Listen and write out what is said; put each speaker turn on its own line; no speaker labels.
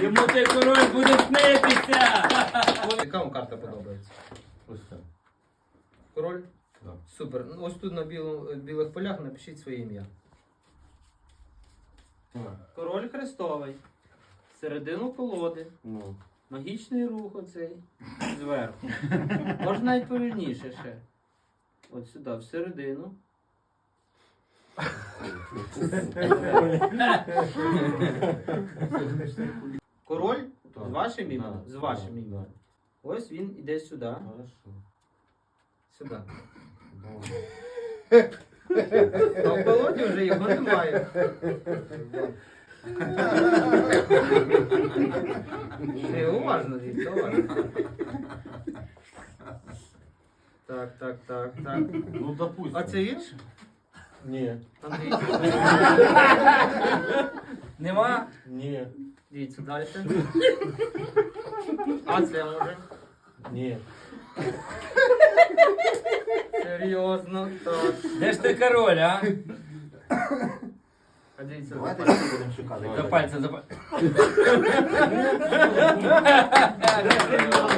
Йому цей король буде снитися.
Яка вам карта подобається?
Ось це.
Король?
Да.
Супер. Ну, ось тут на білих полях напишіть своє ім'я. Король хрестовий. Середину колоди.
Ну.
Магічний рух оцей. Зверху. Можна навіть повільніше ще. От сюди, всередину. Король з вашим іменем? З вашим іменем. Ось він іде сюди.
Хорошо.
Сюди.
Добре.
А в колоді вже його немає. Ти уважно, дивіться, уважно. Так.
Ну, допустим.
А це він?
Ні.
Андрій.
Нема?
Ні.
Дивіться далі. А це може?
Ні.
Серйозно, так.
Де ж ти король, а?
А дивіться,
Давайте
за
ще будемо шукати.
За пальцем, за пальцем.